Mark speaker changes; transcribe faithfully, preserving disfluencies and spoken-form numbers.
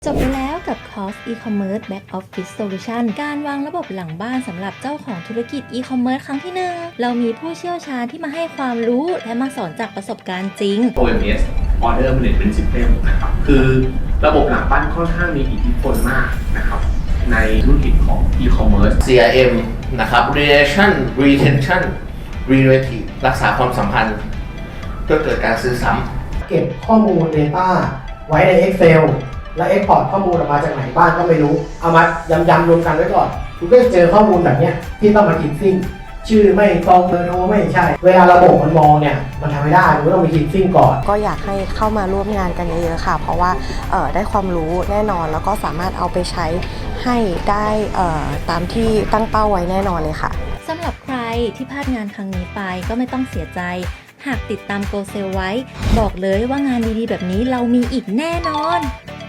Speaker 1: จบไปแล้วกับคอร์ส e-commerce back office solution การวางระบบหลังบ้านสำหรับเจ้าของธุรกิจ e-commerce ครั้งที่หนึ่งเรามีผู้เชี่ยวชาญที่มาให้ความรู้และมาสอนจากประสบการณ์จริง
Speaker 2: โอ เอ็ม เอส Order Management System นะครับคือระบบหลังบ้านค่อนข้างมีอิทธิพลมากนะครับในธุรกิจของ e-commerce
Speaker 3: ซี อาร์ เอ็ม นะครับ relation retention relative รักษาความสัมพันธ์เพื่อเกิดการซื้อซ้ำ
Speaker 4: เก็บข้อมูล Data ไว้ใน Excel แล้ว Export ข้อมูลออกมาจากไหนบ้างก็ไม่รู้เอามายำๆรวมกันไว้ก่อนคุณก็จะเจอข้อมูลแบบเนี้ยที่ต้องมาคิดซิ่งชื่อไม่ตรงเบอร์โทรไม่ใช่เวลาระบบมันมองเนี่ยมันทำไม่ได้มันก็ต้องมีคิดซิ่งก่อน
Speaker 5: ก็อยากให้เข้ามาร่วมงานกันเยอะๆค่ะเพราะว่าเอ่อได้ความรู้แน่นอนแล้วก็สามารถเอาไปใช้ให้ได้เอ่อตามที่ตั้งเป้าไว้แน่นอนเลยค่ะ
Speaker 1: สำหรับใครที่พลาดงานครั้งนี้ไปก็ไม่ต้องเสียใจ หากติดตาม Go Sale ไว้ บอกเลยว่างานดีๆแบบนี้เรามีอีกแน่นอน